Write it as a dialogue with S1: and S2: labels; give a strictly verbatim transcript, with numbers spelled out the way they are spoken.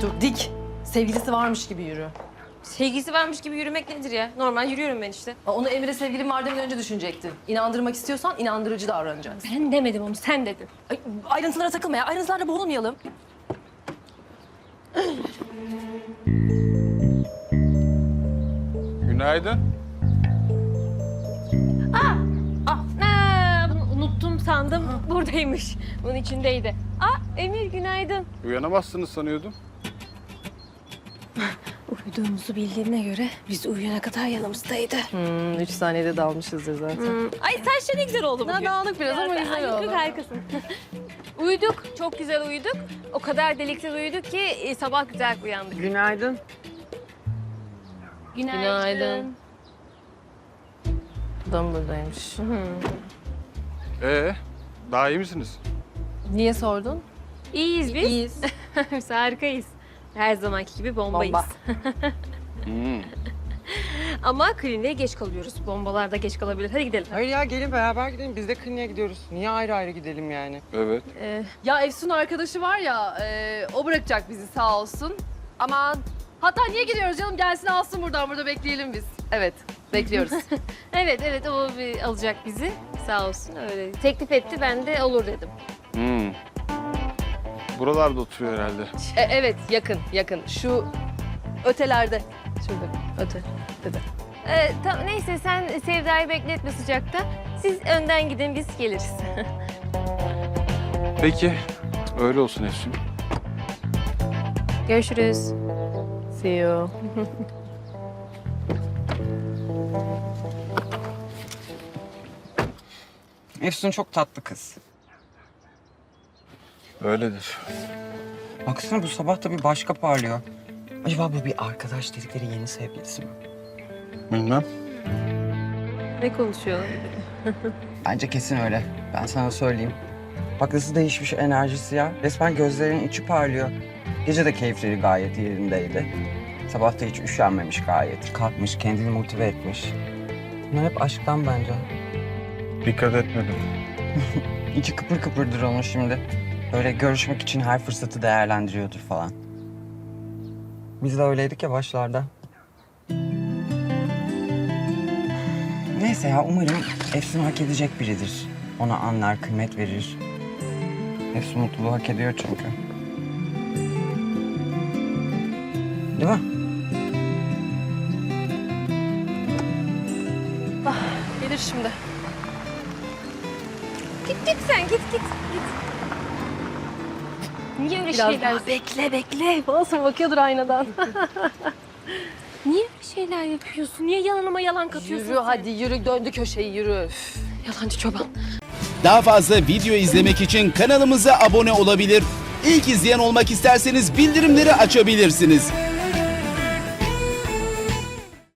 S1: dur dik. Sevgilisi varmış gibi yürü.
S2: Sevgilisi varmış gibi yürümek nedir ya? Normal yürüyorum ben işte.
S1: Aa, Onu Emre sevgilim var demeden önce düşünecektin. İnandırmak istiyorsan inandırıcı davranacaksın.
S2: Ben demedim onu, sen dedin.
S1: Ay, ayrıntılara takılma ya. Ayrıntılarda boğulmayalım.
S3: Günaydın.
S2: Ah, aa, bunu unuttum sandım. Buradaymış. Bunun içindeydi. Aa, Emir günaydın.
S3: Uyanamazsınız sanıyordum.
S2: Uyuduğumuzu bildiğine göre biz uyuyana kadar yanımızdaydı.
S1: Hmm, üç saniyede dalmışızdır zaten.
S2: Hmm. Ay saçları ne güzel oldu bugün.
S1: Ne dağınık biraz ama
S2: Ya,
S1: güzel
S2: ay,
S1: oldu.
S2: Harikasın. Uyuduk, çok güzel uyuduk. O kadar deliksiz uyuduk ki e, sabah güzel uyandık.
S4: Günaydın.
S2: Günaydın.
S1: Günaydın. Adam buradaymış.
S3: Ee, daha iyi misiniz?
S1: Niye sordun?
S2: İyiyiz biz.
S1: İyiyiz.
S2: Biz harikayız. Her zamanki gibi bombayız.
S1: Bomba.
S3: Hmm.
S2: Ama kliniğe geç kalıyoruz. Bombalar da geç kalabilir. Hadi gidelim.
S4: Hayır ya gelin beraber gidelim. Biz de kliniğe gidiyoruz. Niye ayrı ayrı gidelim yani?
S3: Evet.
S2: Ee,
S5: Ya Efsun arkadaşı var ya, e, o bırakacak bizi sağ olsun. Aman, hatta niye gidiyoruz canım? Gelsin alsın buradan, burada bekleyelim biz. Evet, bekliyoruz.
S2: evet evet o bir alacak bizi. Sağ olsun öyle. Teklif etti ben de olur dedim.
S3: Hmm. Buralarda oturuyor herhalde.
S5: E, evet, yakın, yakın. Şu ötelerde. Şurada, öte. Dedi.
S2: Ee, tam, neyse sen Sevda'yı bekletme sıcakta. Siz önden gidin biz geliriz.
S3: Peki, öyle olsun Efsun.
S2: Görüşürüz.
S1: See you.
S4: Efsun çok tatlı kız.
S3: Öyledir.
S4: Baksana bu sabah da bir başka parlıyor. Acaba bu bir arkadaş dedikleri yeni sevgilisi mi?
S3: Bilmem.
S2: Ne konuşuyor?
S4: Bence kesin öyle. Ben sana söyleyeyim. Bak nasıl değişmiş enerjisi ya. Resmen gözlerinin içi parlıyor. Gece de keyifleri gayet yerindeydi. Sabah da hiç üşenmemiş gayet. Kalkmış, kendini motive etmiş. Bunlar hep aşktan bence.
S3: Dikkat etmedim.
S4: İçi kıpır kıpırdır onun şimdi. Böyle görüşmek için her fırsatı değerlendiriyordur falan. Biz de öyleydik ya başlarda. Neyse ya umarım Efsun hak edecek biridir. Ona anlar, kıymet verir. Efsun mutluluğu hak ediyor çünkü. Değil mi?
S1: Gelir şimdi.
S2: Git git sen git git git. Niye öyle
S1: Biraz
S2: şeyler...
S1: daha bekle bekle. Nasıl bakıyordur aynadan.
S2: Niye öyle şeyler yapıyorsun? Niye yalanıma yalan katıyorsun
S1: Yürü
S2: sen?
S1: hadi yürü. Döndü köşeyi yürü. Üf.
S2: Yalancı çoban.
S6: Daha fazla video izlemek için kanalımıza abone olabilir. İlk izleyen olmak isterseniz bildirimleri açabilirsiniz.